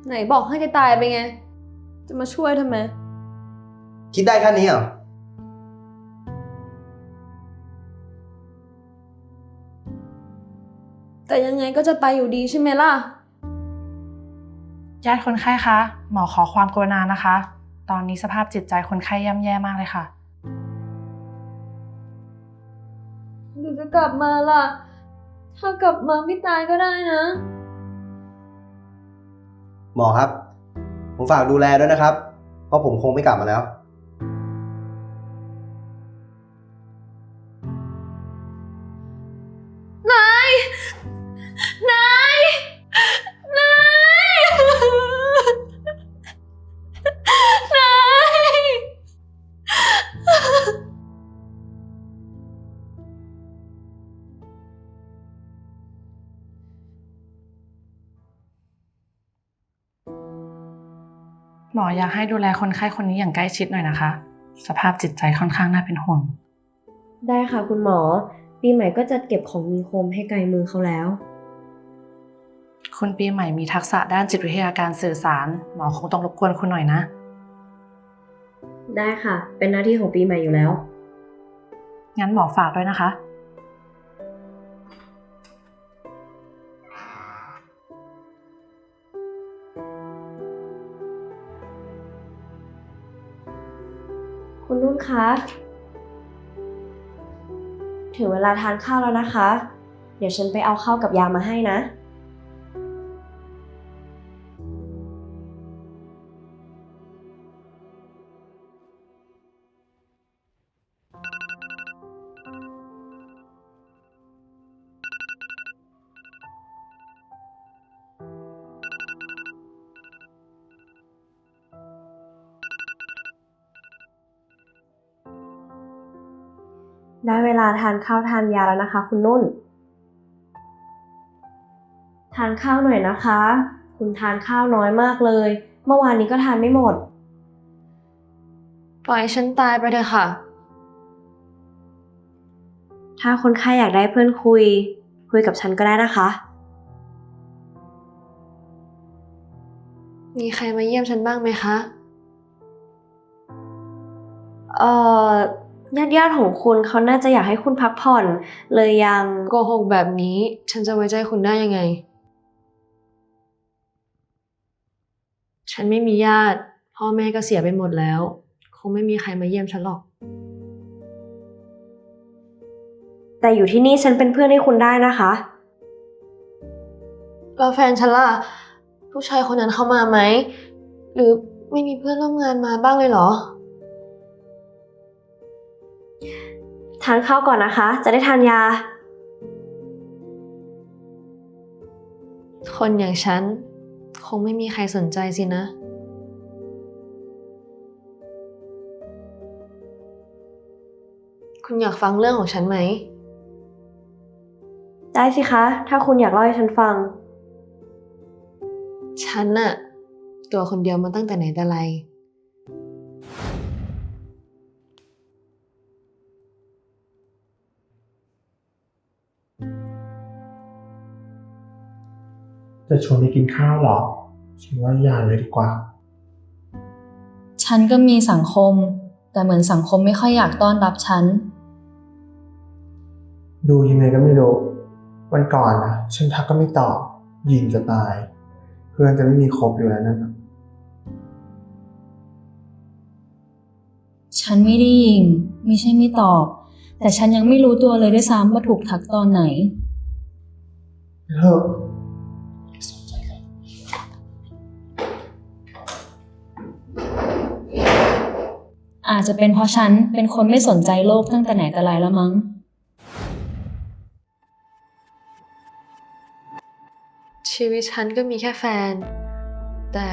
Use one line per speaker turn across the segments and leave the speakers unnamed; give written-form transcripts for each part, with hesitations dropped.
ไหนบอกให้แกตายไปไงจะมาช่วยทำไม
คิดได้แค่นี้เหรอ
แต่ยังไงก็จะไปอยู่ดีใช่ไหมล่ะ
ญาติคนไข้คะหมอขอความกรุณานะคะ ตอนนี้สภาพจิตใจคนไข้ย่ำแย่มากเลยค่ะ
หรือจะกลับมาล่ะถ้ากลับมาไม่ตายก็ได้นะ
หมอครับผมฝากดูแลด้วยนะครับเพราะผมคงไม่กลับมาแล้ว
นายนายนายนาย
หมออยากให้ดูแลคนไข้คนนี้อย่างใกล้ชิดหน่อยนะคะ สภาพจิตใจค่อนข้างน่าเป็นห่วง
ได้ค่ะคุณหมอปีใหม่ก็จะเก็บของมีคมให้ไกลมือเขาแล้ว
คุณปีใหม่มีทักษะด้านจิตวิทยาการสื่อสารหมอคงต้องรบกวนคุณหน่อยนะ
ได้ค่ะเป็นหน้าที่ของปีใหม่อยู่แล้ว
งั้นหมอฝากด้วยนะคะ
คุณนุ่นคะถึงเวลาทานข้าวแล้วนะคะเดี๋ยวฉันไปเอาข้าวกับยามาให้นะได้เวลาทานข้าวทานยาแล้วนะคะคุณนุ่นทานข้าวหน่อยนะคะคุณทานข้าวน้อยมากเลยเมื่อวานนี้ก็ทานไม่หมด
ปล่อยฉันตายไปเถอะค่ะ
ถ้าคนไข้อยากได้เพื่อนคุยกับฉันก็ได้นะคะ
มีใครมาเยี่ยมฉันบ้างไหมคะ
ญาติของคุณเขาน่าจะอยากให้คุณพักผ่อนเลยยัง
โกหกแบบนี้ฉันจะไว้ใจคุณได้ยังไงฉันไม่มีญาติพ่อแม่ก็เสียไปหมดแล้วคงไม่มีใครมาเยี่ยมฉันหรอก
แต่อยู่ที่นี่ฉันเป็นเพื่อนให้คุณได้นะคะ
แล้วแฟนฉันล่ะผู้ชายคนนั้นเข้ามาไหมหรือไม่มีเพื่อนร่วมงานมาบ้างเลยเหรอ
ทานข้าวก่อนนะคะจะได้ทานยา
คนอย่างฉันคงไม่มีใครสนใจสินะคุณอยากฟังเรื่องของฉันไหม
ได้สิคะถ้าคุณอยากเล่าให้ฉันฟัง
ฉันน่ะตัวคนเดียวมาตั้งแต่ไหนแต่ไร
จะชวนไปกินข้าวหรอฉันว่าอย่าเลยดีกว่า
ฉันก็มีสังคมแต่เหมือนสังคมไม่ค่อยอยากต้อนรับฉัน
ดูยังไงก็ไม่รู้วันก่อนนะฉันทักก็ไม่ตอบยิงจะตายเพื่อนจะไม่มีครบอยู่แล้วนั่น
ฉันไม่ได้ยิงไม่ใช่ไม่ตอบแต่ฉันยังไม่รู้ตัวเลยด้วยซ้ำว่าถูกทักตอนไหน
เฮ้อ
อาจจะเป็นเพราะฉันเป็นคนไม่สนใจโลกตั้งแต่ไหนแต่ไรแล้วมั้ง
ชีวิตฉันก็มีแค่แฟนแต่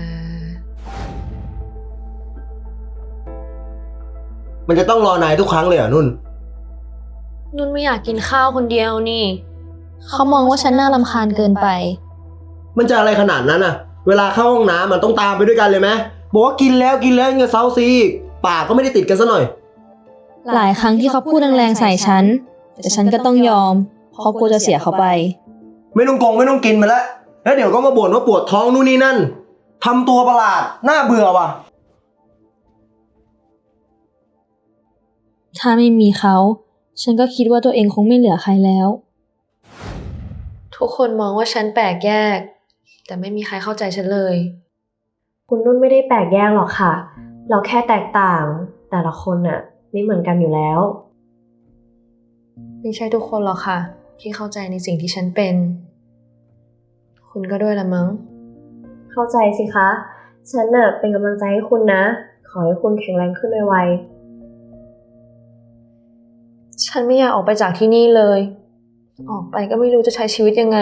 มันจะต้องรอนายทุกครั้งเลยเหรอนุ่น
นุ่นไม่อยากกินข้าวคนเดียวนี่เขามองว่าฉันน่ารำคาญเกินไป
มันจะอะไรขนาดนั้นอะเวลาเข้าห้องน้ำมันต้องตามไปด้วยกันเลยไหมบอกว่ากินแล้วยังจะเซาซีอีกปากก็ไม่ได้ติดกันซะหน่อย
หลายครั้งที่เขาพูดแรงๆใส่ฉันแต่ฉันก็ต้องยอมเพราะกลัวจะเสียเขาไป
ไม่ต้องกินมาแล้วเดี๋ยวก็มาบ่นว่าปวดท้องนู่นนี่นั่นทำตัวประหลาดน่าเบื่อว่ะ
ถ้าไม่มีเขา ฉันก็คิดว่าตัวเองคงไม่เหลือใครแล้ว ทุกคนมองว่าฉันแปลกแยก แต่ไม่มีใครเข้าใจฉันเลย
คุณนุ่นไม่ได้แปลกแยกหรอกค่ะ เราแค่แตกต่าง แต่ละคนน่ะไม่เหมือนกันอยู่แล้ว
ไม่ใช่ทุกคนหรอกค่ะ ที่เข้าใจในสิ่งที่ฉันเป็น คุณก็ด้วยละมั้ง
เข้าใจสิคะ ฉันน่ะเป็นกำลังใจให้คุณนะ ขอให้คุณแข็งแรงขึ้นไว
ฉันไม่อยากออกไปจากที่นี่เลย ออกไปก็ไม่รู้จะใช้ชีวิตยังไง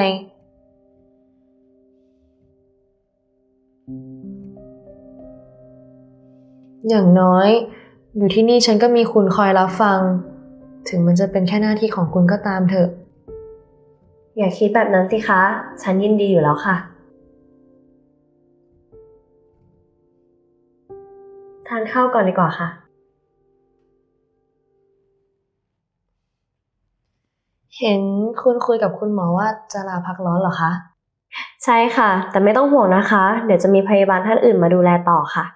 อย่างน้อย อยู่ที่นี่ฉันก็มีคุณคอยรับฟัง ถึงมันจะเป็นแค่หน้าที่ของคุณก็ตามเถอะ
ๆ อย่าคิดแบบนั้นสิคะ ฉันยินดีอยู่แล้วค่ะ ทานข้าวก่อนดีกว่าค่ะ
เห็นคุณคุยกับคุณหมอว่าจะลาพักร้อนเหรอคะ
ใช่ค่ะ แต่ไม่ต้องห่วงนะคะ เดี๋ยวจะมีพยาบาลท่านอื่นมาดูแลต่อค่ะ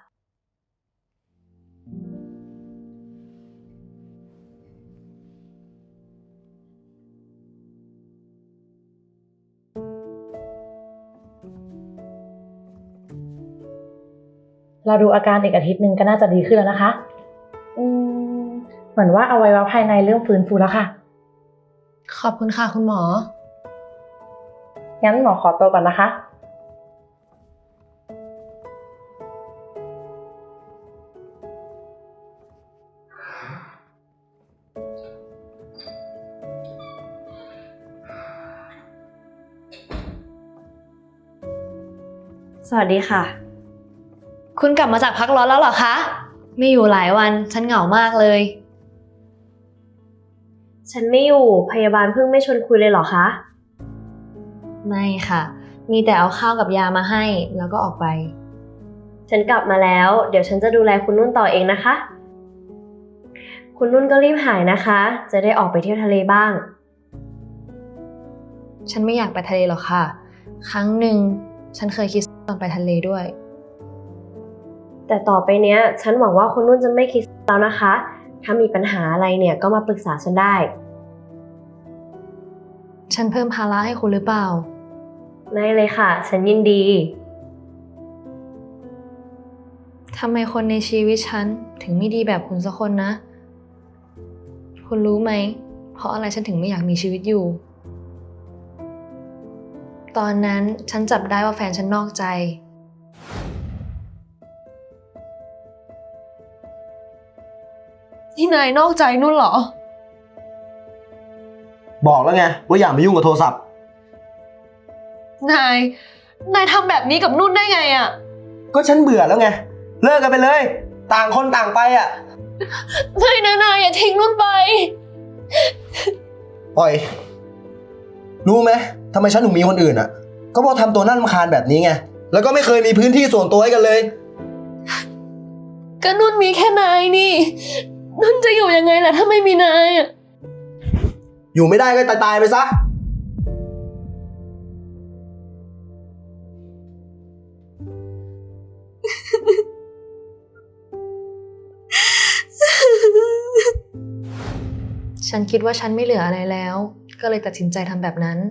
เราดูอาการอีกอาทิตย์หนึ่งก็น่าจะดีขึ้นแล้วนะคะ เหมือนว่าอวัยวะภายในเริ่มฟื้นฟูแล้วค่ะ
ขอบคุณค่ะคุณหมอ
งั้นหมอขอตัวก่อนนะคะ
สวัสดีค่ะ
คุณกลับมาจากพักร้อนแล้วเหรอคะ ไม่อยู่หลายวัน ฉันเหงามากเลย
ฉันไม่อยู่พยาบาลเพิ่งไม่ชวนคุยเลยเหรอคะ
ไม่ค่ะ มีแต่เอาข้าวกับยามาให้ แล้วก็ออกไป
ฉันกลับมาแล้ว เดี๋ยวฉันจะดูแลคุณนุ่นต่อเองนะคะ คุณนุ่นก็รีบหายนะคะ จะได้ออกไปเที่ยวทะเลบ้าง
ฉันไม่อยากไปทะเลหรอกค่ะ ครั้งหนึ่งฉันเคยคิดตอนไปทะเลด้วย
แต่ต่อไปเนี้ย ฉันหวังว่าคุณนุ่นจะไม่คิดแล้วนะคะ ถ้ามีปัญหาอะไรเนี่ยก็มาปรึกษาฉันได้
ฉันเพิ่มภาระให้คุณหรือเปล่า
ไม่เลยค่ะ ฉันยินดี
ทำไมคนในชีวิตฉันถึงไม่ดีแบบคุณสักคนนะ คุณรู้ไหม เพราะอะไรฉันถึงไม่อยากมีชีวิตอยู่ ตอนนั้นฉันจับได้ว่าแฟนฉันนอกใจ ที่นายนอกใจนุ่นเหรอ
บอกแล้วไงว่าอย่ามายุ่งกับโทรศัพท์
นายทำแบบนี้กับนุ่นได้ไงอะ
ก็ฉันเบื่อแล้วไง เลิกกันไปเลย ต่างคนต่างไปอ่ะ
ไม่นะนายอย่าทิ้งนุ่นไป
ปล่อย รู้ไหมทำไมฉันถึงมีคนอื่นอ่ะ ก็เพราะทำตัวน่ารำคาญแบบนี้ไง แล้วก็ไม่เคยมีพื้นที่ส่วนตัวให้กันเลย
ก็นุ่นมีแค่นายนี่ นุ่นจะอยู่ยังไงล่ะถ้าไม่มีนายอะ
อยู่ไม่ได้ก็ตายๆไปซะ
ฉันคิดว่าฉันไม่เหลืออะไรแล้ว ก็เลยตัดสินใจทำแบบนั้น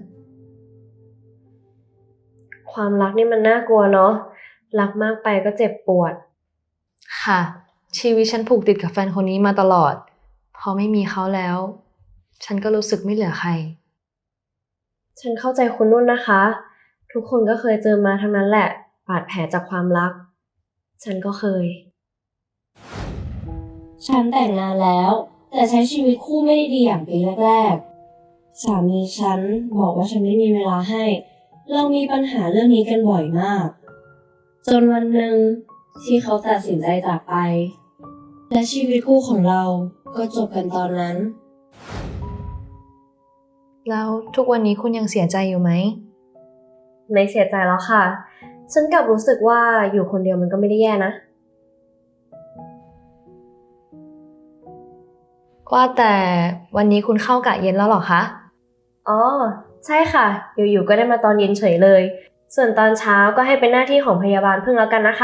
ความรักนี่มันน่ากลัวเนาะ รักมากไปก็เจ็บปวด
ค่ะ ชีวิตฉันผูกติดกับแฟนคนนี้มาตลอด พอไม่มีเขาแล้ว ฉันก็รู้สึกไม่เหลือใคร
ฉันเข้าใจคุณนุ่นนะคะ ทุกคนก็เคยเจอมาทั้งนั้นแหละ บาดแผลจากความรัก ฉันก็เคย
ฉันแต่งงานแล้ว แต่ใช้ชีวิตคู่ไม่ได้ดีอย่างปีแรกๆ สามีฉันบอกว่าฉันไม่มีเวลาให้ เรามีปัญหาเรื่องนี้กันบ่อยมาก จนวันหนึ่งที่เขาตัดสินใจจากไป และชีวิตคู่ของเราก็จบกันตอนนั้น
แล้วทุกวันนี้คุณยังเสียใจอยู่ไหม
ไม่เสียใจแล้วค่ะ ฉันกลับรู้สึกว่าอยู่คนเดียวมันก็ไม่ได้แย่นะ
ว่าแต่วันนี้คุณเข้ากะเย็นแล้วเหรอคะ
อ๋อ ใช่ค่ะ อยู่ๆก็ได้มาตอนเย็นเฉยเลยส่วนตอนเช้าก็ให้เป็นหน้าที่ของพยาบาลพึ่งแล้วกันนะคะ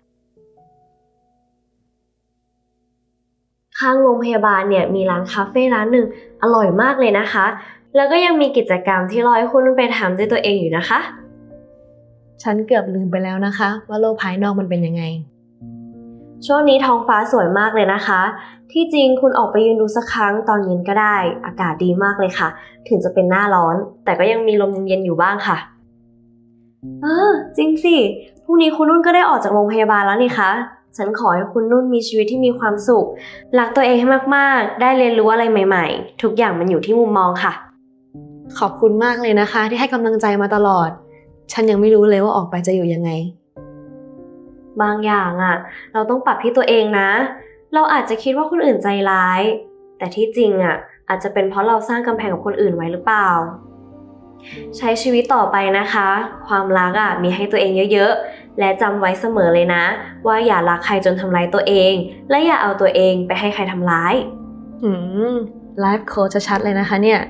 ข้างโรงพยาบาลเนี่ยมีร้านคาเฟ่ร้านหนึ่งอร่อยมากเลยนะคะ แล้วก็ยังมีกิจกรรมที่รอให้คุณไปทำด้วยตัวเองอยู่นะคะ
ฉันเกือบลืมไปแล้วนะคะ ว่าโลกภายนอกมันเป็นยังไง
ช่วงนี้ท้องฟ้าสวยมากเลยนะคะ ที่จริงคุณออกไปยืนดูสักครั้งตอนเย็นก็ได้ อากาศดีมากเลยค่ะ ถึงจะเป็นหน้าร้อน แต่ก็ยังมีลมเย็นๆอยู่บ้างค่ะจริงสิ พรุ่งนี้คุณนุ่นก็ได้ออกจากโรงพยาบาลแล้วนี่คะ ฉันขอให้คุณนุ่นมีชีวิตที่มีความสุข รักตัวเองให้มากๆ ได้เรียนรู้อะไรใหม่ๆ ทุกอย่างมันอยู่ที่มุมมองค่ะ
ขอบคุณมากเลยนะคะ ที่ให้กำลังใจมาตลอด ฉันยังไม่รู้เลยว่าออกไปจะอยู่ยังไง
บางอย่างอะเราต้องปรับที่ตัวเองนะ เราอาจจะคิดว่าคนอื่นใจร้าย แต่ที่จริงอะอาจจะเป็นเพราะเราสร้างกำแพงกับคนอื่นไว้หรือเปล่า ใช้ชีวิตต่อไปนะคะ ความรักอะมีให้ตัวเองเยอะๆ และจำไว้เสมอเลยนะ ว่าอย่ารักใครจนทำร้ายตัวเอง และอย่าเอาตัวเองไปให้ใครทำร้าย
ไลฟ์โค้ชชัดๆเลยนะคะเนี่ย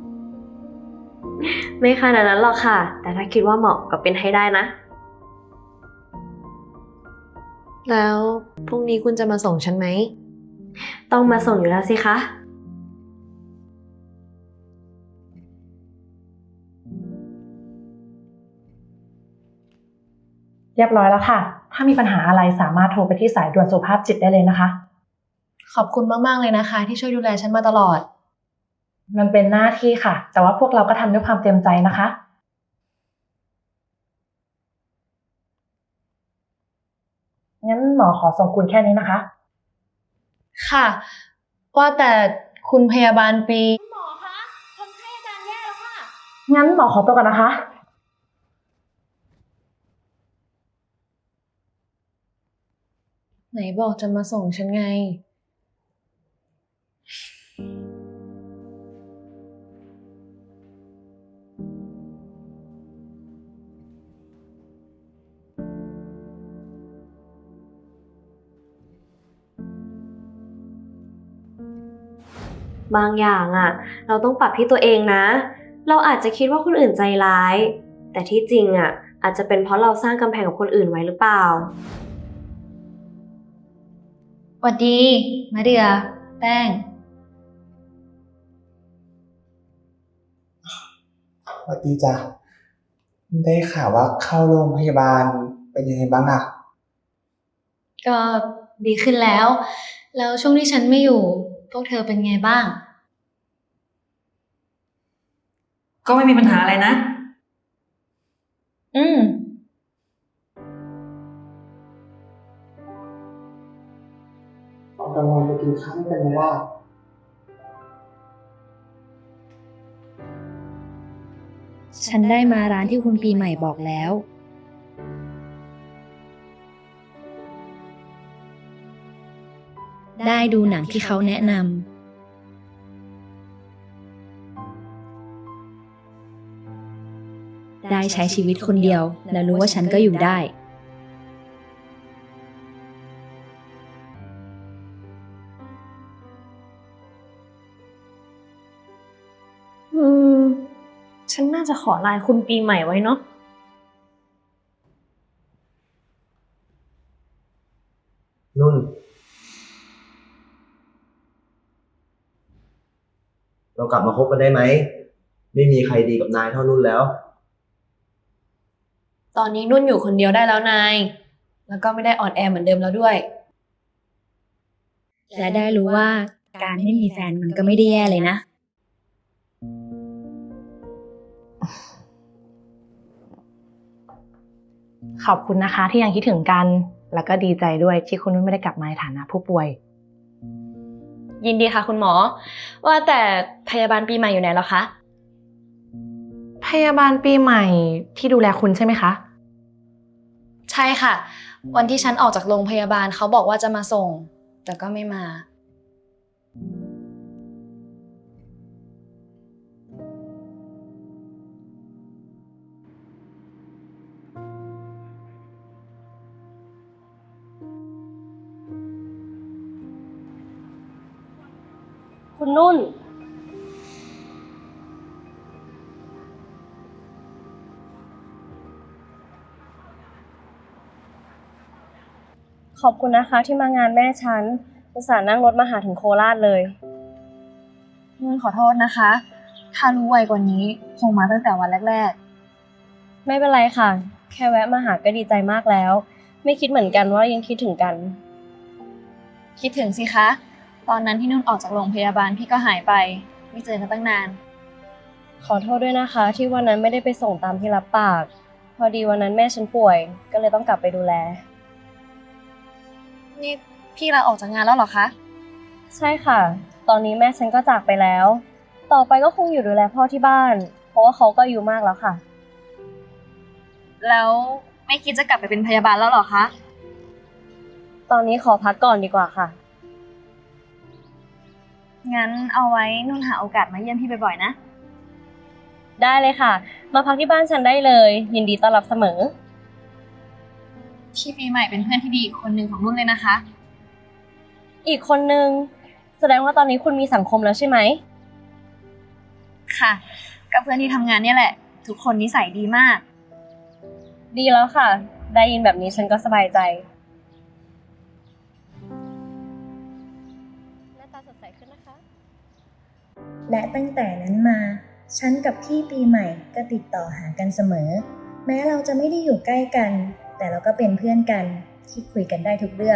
ไม่ขนาดนั้นหรอกค่ะ แต่ถ้าคิดว่าเหมาะก็เป็นให้ได้นะ
แล้วพรุ่งนี้คุณจะมาส่งฉันไหม
ต้องมาส่งอยู่แล้วสิคะ
เรียบร้อยแล้วค่ะ ถ้ามีปัญหาอะไรสามารถโทรไปที่สายด่วนสุขภาพจิตได้เลยนะคะ
ขอบคุณมากๆเลยนะคะ ที่ช่วยดูแลฉันมาตลอด
มันเป็นหน้าที่ค่ะ แต่ว่าพวกเราก็ทำด้วยความเต็มใจนะคะ งั้นหมอขอส่งคุณแค่นี้นะคะ
ค่ะ ว่าแต่คุณพยาบาลปี
หมอคะ คนไข้อาการแย่แล้วค่ะ
งั้นหมอขอตัวก่อนนะคะ
ไหนบอกจะมาส่งฉันไง
บางอย่างอะเราต้องปรับที่ตัวเองนะ เราอาจจะคิดว่าคนอื่นใจร้าย แต่ที่จริงอะอาจจะเป็นเพราะเราสร้างกำแพงกับคนอื่นไว้หรือเปล่า
หวัดดีมะเดือ แป้ง
สวัสดีจ้ะได้ข่าวว่าเข้าโรงพยาบาลเป็นยังไงบ้างอะ
ก็ดีขึ้นแล้ว แล้วช่วงที่ฉันไม่อยู่ พวกเธอเป็นไงบ้าง
ก็ไม่มีปัญหาอะไรนะ
อืม
ตอนกลางวันไปกินข้าวด้วยกันไหมล่ะ
ฉันได้มาร้านที่คุณปีใหม่บอกแล้ว ได้ดูหนังที่เขาแนะนำ ได้ใช้ชีวิตคนเดียว แล้วรู้ว่าฉันก็อยู่ได้
ฉันน่าจะขอไลน์คุณปีใหม่ไว้เนาะ
นุ่น เรากลับมาคบกันได้ไหม ไม่มีใครดีกับนายเท่านุ่นแล้ว
ตอนนี้นุ่นอยู่คนเดียวได้แล้วนาย แล้วก็ไม่ได้อ่อนแอเหมือนเดิมแล้วด้วย
และได้รู้ว่าการไม่มีแฟนมันก็ไม่ได้แย่เลยนะ
ขอบคุณนะคะที่ยังคิดถึงกัน แล้วก็ดีใจด้วยที่คุณนุ่นไม่ได้กลับมาในฐานะผู้ป่วย
ยินดีค่ะคุณหมอ ว่าแต่พยาบาลปีใหม่อยู่ไหนแล้วคะ
พยาบาลปีใหม่ที่ดูแลคุณใช่ไหมคะ
ใช่ค่ะ วันที่ฉันออกจากโรงพยาบาลเขาบอกว่าจะมาส่ง แต่ก็ไม่มา
คุณนุ่น
ค
ขอบคุณนะคะที่มางานแม่ฉันอุตส่าห์นั่งรถมาหาถึงโคราชเลย
นุ่นขอโทษนะคะ ถ้ารู้ไวกว่านี้คงมาตั้งแต่วันแรก
ไม่เป็นไรค่ะ แค่แวะมาหาก็ดีใจมากแล้ว ไม่คิดเหมือนกันว่ายังคิดถึงกัน
ๆ คิดถึงสิคะ ตอนนั้นที่นุ่นออกจากโรงพยาบาลพี่ก็หายไป ไม่เจอกันตั้งนาน
ขอโทษด้วยนะคะ ที่วันนั้นไม่ได้ไปส่งตามที่รับปาก พอดีวันนั้นแม่ฉันป่วย ก็เลยต้องกลับไปดูแล
นี่พี่ลาออกจากงานแล้วเหรอคะ
ใช่ค่ะ ตอนนี้แม่ฉันก็จากไปแล้ว ต่อไปก็คงอยู่ดูแลพ่อที่บ้าน เพราะว่าเขาก็อายุมากแล้วค่ะ
แล้วไม่คิดจะกลับไปเป็นพยาบาลแล้วเหรอคะ
ตอนนี้ขอพักก่อนดีกว่าค่ะ
งั้นเอาไว้นุ่นหาโอกาสมาเยี่ยมพี่บ่อยๆนะ
ได้เลยค่ะ มาพักที่บ้านฉันได้เลย ยินดีต้อนรับเสมอ
พี่ปีใหม่เป็นเพื่อนที่ดีอีกคนหนึ่งของนุ่นเลยนะคะ
อีกคนนึง แสดงว่าตอนนี้คุณมีสังคมแล้วใช่ไหม
ค่ะกับเพื่อนที่ทำงานเนี่ยแหละ ทุกคนนิสัยดีมาก
ดีแล้วค่ะ ได้ยินแบบนี้ฉันก็สบายใจหน้าตาสดใสขึ้นนะคะ
และตั้งแต่นั้นมา ฉันกับพี่ปีใหม่ก็ติดต่อหากันเสมอ แม้เราจะไม่ได้อยู่ใกล้กัน แต่เราก็เป็นเพื่อนกันที่คุยกันได้ทุกเรื่อง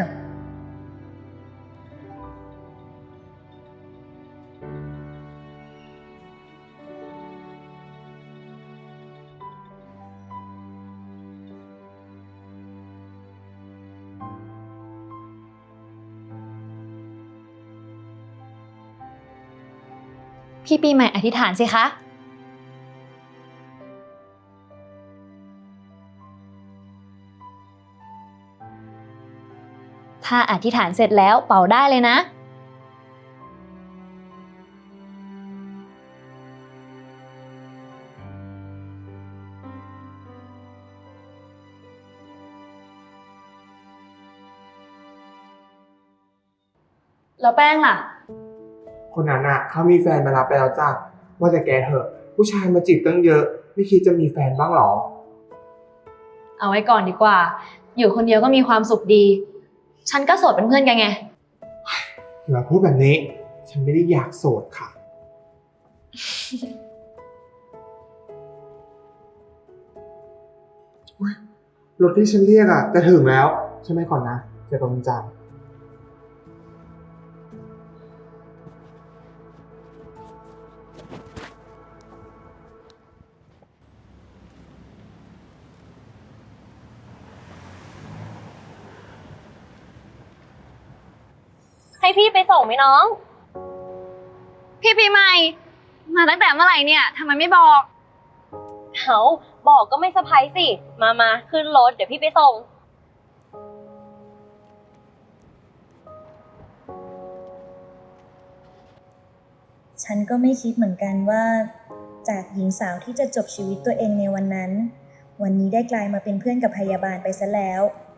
พี่ปีใหม่อธิษฐานสิคะ ถ้าอธิษฐานเสร็จแล้วเป่าได้เลยนะ แล้วแป้งล่ะ
คนนั้นอะเขามีแฟนมารับไปแล้วจ้ะว่าแต่แกเถอะ ผู้ชายมาจีบตั้งเยอะ ไม่คิดจะมีแฟนบ้างหรอ
เอาไว้ก่อนดีกว่า อยู่คนเดียวก็มีความสุขดี ฉันก็โสดเป็นเพื่อนกันไง
อย่าพูดแบบนี้ ฉันไม่ได้อยากโสดค่ะ อุ๊ยรถที่ฉันเรียกอะจะถึงแล้ว ใช่ไหมก่อนนะเจอกันวันจันทร์
ให้พี่ไปส่งไหมน้อง
พี่ปีใหม่ มาตั้งแต่เมื่อไหร่เนี่ยทำไมไม่บอก
เขาบอกก็ไม่เซอร์ไพรส์สิ มาขึ้นรถเดี๋ยวพี่ไปส่ง
ฉันก็ไม่คิดเหมือนกันว่า จากหญิงสาวที่จะจบชีวิตตัวเองในวันนั้น วันนี้ได้กลายมาเป็นเพื่อนกับพยาบาลไปซะแล้ว